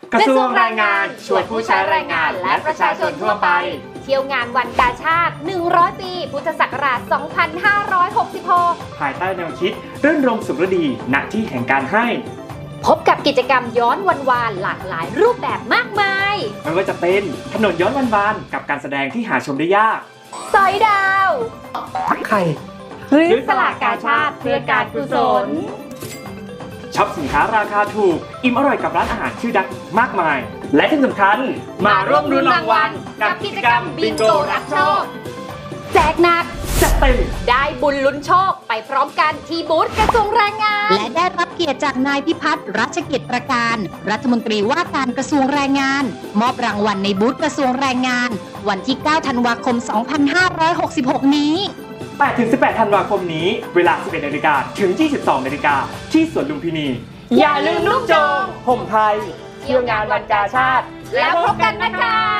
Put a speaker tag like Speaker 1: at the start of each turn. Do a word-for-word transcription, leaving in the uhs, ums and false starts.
Speaker 1: กระทรวงแรงงานชวนผู้ใช้แรงงานและประชาชนทั่วไป
Speaker 2: เที่ยวงานวันกาชาติหนึ่งร้อยปีพุทธศักราชสองพันห้าร้อยหกสิบหก
Speaker 1: ภายใต้แนวคิดรื่นรมสุขฤดีณที่แห่งการให้
Speaker 2: พบกับกิจกรรมย้อนวันวานหลากหลายรูปแบบมากมาย
Speaker 1: ไม่ว่าจะเป็นถนนย้อนวันวานกับการแสดงที่หาชมได้ยาก
Speaker 2: สอยดาว
Speaker 1: ทักไข่
Speaker 2: หรือสลากกาชาติเพื่อการกุศล
Speaker 1: ช็อปสินค้าราคาถูกอิ่มอร่อยกับร้านอาหารชื่อดังมากมายและที่สำคัญมาร่วมลุ้นรางวัลกับกิจกรรมบิงโกรับโชค
Speaker 2: แจกหนัก
Speaker 1: จัดเต็ม
Speaker 2: ได้บุญลุ้นโชคไปพร้อมกันที่บูธกระทรวงแรงงาน
Speaker 3: และได้รับเกียรติจากนายพิพัฒน์รัชกิจประการรัฐมนตรีว่าการกระทรวงแรงงานมอบรางวัลในบูธกระทรวงแรงงานวันที่เก้าธันวาคมสองพันห้าร้อยหกสิบหกนี้
Speaker 1: แปดถึงสิบแปดธันวาคมนี้เวลา สิบเอ็ดนาฬิกา ถึง ยี่สิบสองนาฬิกา ที่สวนลุมพินี
Speaker 2: อย่าลืมลูกโจง
Speaker 1: ห่มไทยเที่ยวงานวันกาชาติ
Speaker 2: แล้วพบกันนะคะ